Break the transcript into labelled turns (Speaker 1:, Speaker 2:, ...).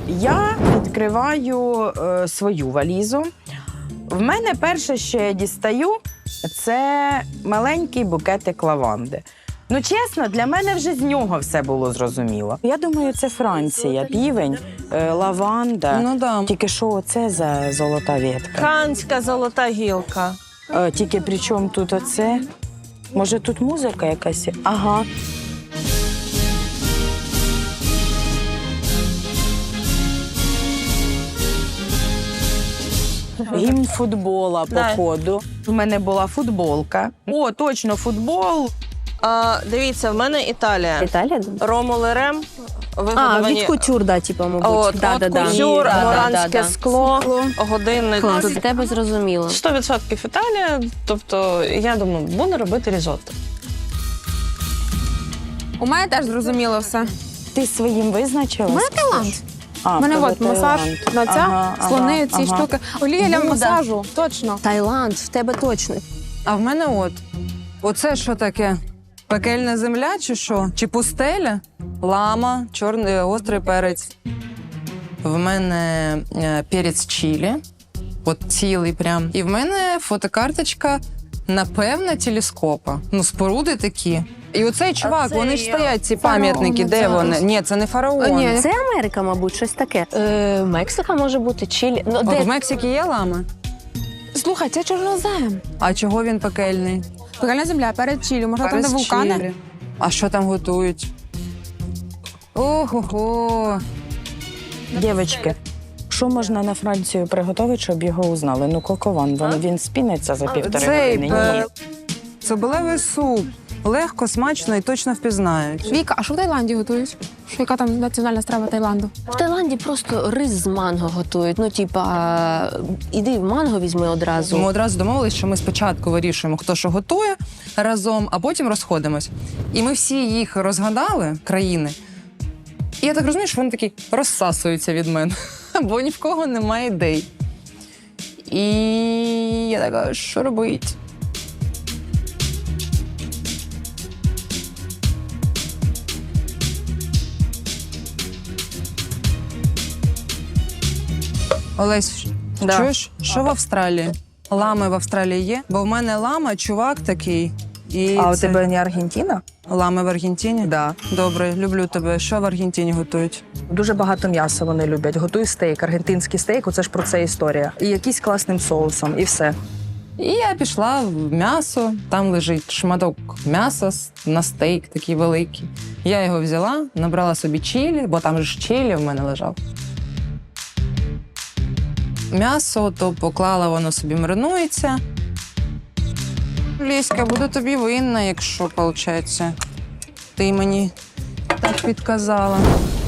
Speaker 1: Я відкриваю свою валізу. В мене перше, що я дістаю, це маленький букетик лаванди. Ну, чесно, для мене вже з нього все було зрозуміло. Я думаю, це Франція, півень, лаванда.
Speaker 2: Ну да.
Speaker 1: Тільки що оце за золота ветка?
Speaker 3: Канська золота гілка.
Speaker 1: Тільки при чому тут оце? Може, тут музика якась? Ага. Гімн футбола, походу. У мене була футболка. О, точно, футбол.
Speaker 3: Дивіться, в мене Італія.
Speaker 4: Італія?
Speaker 3: Ромул і Рем.
Speaker 4: Від кутюр, да, типу, мабуть.
Speaker 3: От кутюр, моранське скло, годинник.
Speaker 4: Клас, для тебе зрозуміло.
Speaker 3: 100% Італія. Тобто, я думаю, буду робити різотто.
Speaker 5: У мене теж зрозуміло все.
Speaker 1: Ти своїм визначилась?
Speaker 5: У мене Таїланд.
Speaker 1: А,
Speaker 5: У мене
Speaker 1: тебе
Speaker 5: от масаж
Speaker 1: Таїланд.
Speaker 5: на ця, слони, ці штуки. Олія для
Speaker 4: Буда.
Speaker 5: масажу, точно.
Speaker 4: Таїланд, в тебе точно.
Speaker 2: А в мене от. Оце що таке? Пекельна земля чи що? Чи пустеля? Лама, чорний гострий перець. В мене перець чилі. От цілий прям. І в мене фотокарточка, напевно, телескопа. Ну, споруди такі. І оцей чувак,
Speaker 1: це
Speaker 2: вони ж стоять, ці пам'ятники. Де
Speaker 5: фараон,
Speaker 2: вони?
Speaker 5: це.
Speaker 2: Ні, це не фараон.
Speaker 5: Ні.
Speaker 4: Це Америка, мабуть, щось таке. Мексика може бути, Чилі. Ну,
Speaker 2: От в Мексиці є лами.
Speaker 5: Слухай, це чорнозем.
Speaker 2: А чого він пекельний?
Speaker 5: Пекельна земля, перед Чилі, може там де
Speaker 2: Перець
Speaker 5: вулкани?
Speaker 2: чилі. А що там готують? Ого-го.
Speaker 1: Дівчатки, що можна на Францію приготувати, щоб його узнали? Ну, кокован, він спіниться за півтори години. Ні.
Speaker 2: Цибулевий суп. Легко, смачно і точно впізнають.
Speaker 5: Віка, а що в Таїланді готують? Що, яка там національна страва Таїланду?
Speaker 4: В Таїланді просто рис з манго готують. Ну, типа, іди манго візьми одразу.
Speaker 2: Ми одразу домовились, що ми спочатку вирішуємо, хто що готує разом, а потім розходимось. І ми всі їх розгадали, країни. І я так розумію, що вони такі розсасуються від мене, бо ні в кого немає ідей. І я така, що робити? Олесь,
Speaker 1: Да.
Speaker 2: чуєш, що в Австралії? Лами в Австралії є? Бо в мене лама, чувак такий. І
Speaker 1: А у
Speaker 2: це-
Speaker 1: тебе не Аргентина?
Speaker 2: Лами в Аргентині?
Speaker 1: Да.
Speaker 2: Добре, люблю тебе. Що в Аргентині готують?
Speaker 1: Дуже багато м'яса вони люблять. Готуй стейк, аргентинський стейк, оце ж про це історія. І якийсь класним соусом, і все.
Speaker 2: І я пішла в м'ясо, там лежить шматок м'яса на стейк такий великий. Я його взяла, набрала собі чилі, бо там же ж чилі в мене лежав. М'ясо, то поклала, воно собі маринується. Ліська, буду тобі винна, якщо, виходить, ти мені так підказала.